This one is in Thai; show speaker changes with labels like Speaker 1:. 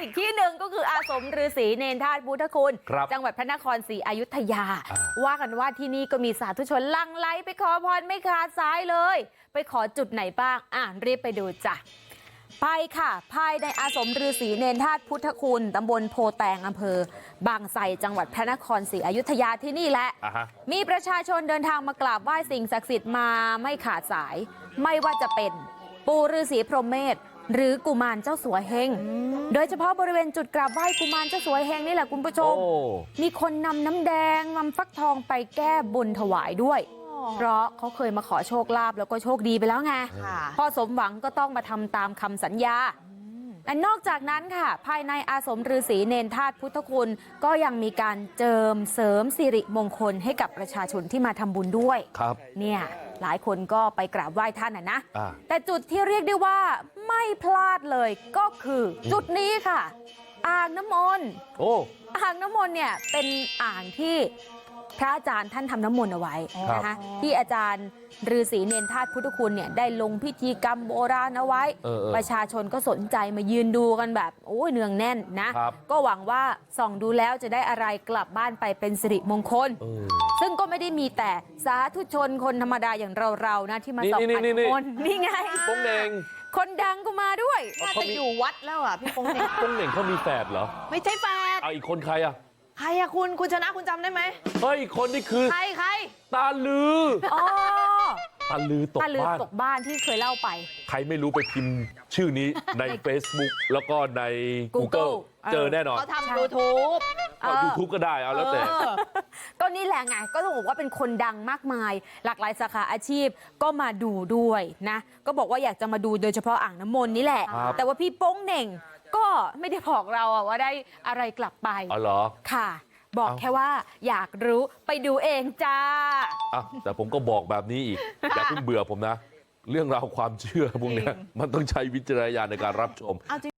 Speaker 1: อีกที่หนึ่งก็คืออาสมฤาษีเนรธาตุพุทธคุณจังหวัดพระนครศรีอยุธยาว่ากันว่าที่นี่ก็มีสาธุชนหลั่งไหลไปขอพรไม่ขาดสายเลยไปขอจุดไหนบ้างรีบไปดูจ้ะไปค่ะภายในอาสมฤาษีเนรธาตุพุทธคุณตำบลโพแตงอำเภอบางไทรจังหวัดพระนครศรีอยุธยาที่นี่แหละมีประชาชนเดินทางมากราบไหว้สิ่งศักดิ์สิทธิ์มาไม่ขาดสายไม่ว่าจะเป็นปู่ฤาษีพรหมเมธหรือกุมารเจ้าสัวเฮงโดยเฉพาะบริเวณจุดกราบไหว้กุมารเจ้าสัวเฮงนี่แหละคุณผู้ชมมีคนนำน้ำแดงนำฟักทองไปแก้บนถวายด้วยเพราะเขาเคยมาขอโชคลาภแล้วก็โชคดีไปแล้วไงพอสมหวังก็ต้องมาทำตามคำสัญญาและนอกจากนั้นค่ะภายในอาสมฤาษีเนรธาตุพุทธคุณก็ยังมีการเจิมเสริมสิริมงคลให้กับประชาชนที่มาทำบุญด้วยครับเนี่ยหลายคนก็ไปกราบไหว้ท่านนะแต่จุดที่เรียกได้ว่าไม่พลาดเลยก็คือจุดนี้ค่ะอ่างน้ำมนต์อ่างน้ำมนต์เนี่ยเป็นอ่างที่พระอาจารย์ท่านทำน้ำมนต์เอาไว้นะคะที่อาจารย์ฤาษีเนรธาตุพุทธคุณเนี่ยได้ลงพิธีกรรมโบราณเอาไว้ประชาชนก็สนใจมายืนดูกันแบบโอ้ยเนืองแน่นนะก็หวังว่าส่องดูแล้วจะได้อะไรกลับบ้านไปเป็นสิริมงคลซึ่งก็ไม่ได้มีแต่สาธุชนคนธรรมดาอย่างเรานะที่มาส่องอ่างน้ำมนต์นี่ไง
Speaker 2: โป้งเหน่ง
Speaker 1: คนดังก็มาด้วย
Speaker 3: น่าจะอยู่วัดแล้วอ่ะพี่โป้งเหน่ง
Speaker 2: โป้งเหน่งเขามีแฝดเหรอ
Speaker 3: ไม่ใช่แฝด
Speaker 2: อีกคนใครอะ
Speaker 3: คุณชนะคุณจำได้ไหม
Speaker 2: เฮ้ยคนนี่คือ
Speaker 3: ใคร
Speaker 2: ตาลือตาลือตก
Speaker 1: บ้านที่เคยเล่าไป
Speaker 2: ใครไม่รู้ไปพิมพ์ชื่อนี้ใน Facebook แล้วก็ใน Google เจอแน่นอน
Speaker 3: เขาทำ YouTube
Speaker 2: YouTube ก็ได้เอาแล้วแต่
Speaker 1: ก็นี่แหละไงก็ต้องบอกว่าเป็นคนดังมากมายหลากหลายสาขาอาชีพก็มาดูด้วยนะก็บอกว่าอยากจะมาดูโดยเฉพาะอ่างน้ำมนต์นี่แหละแต่ว่าพี่โป้งเหน่งก็ไม่ได้บอกเราว่าได้อะไรกลับไป
Speaker 2: อ๋อเหรอ
Speaker 1: ค่ะบอกแค่ว่าอยากรู้ไปดูเองจ้า
Speaker 2: แต่ผมก็บอกแบบนี้อีกอย่าเพิ่งเบื่อผมนะเรื่องราวความเชื่อพวกนี้มันต้องใช้วิจารณญาณในการรับชม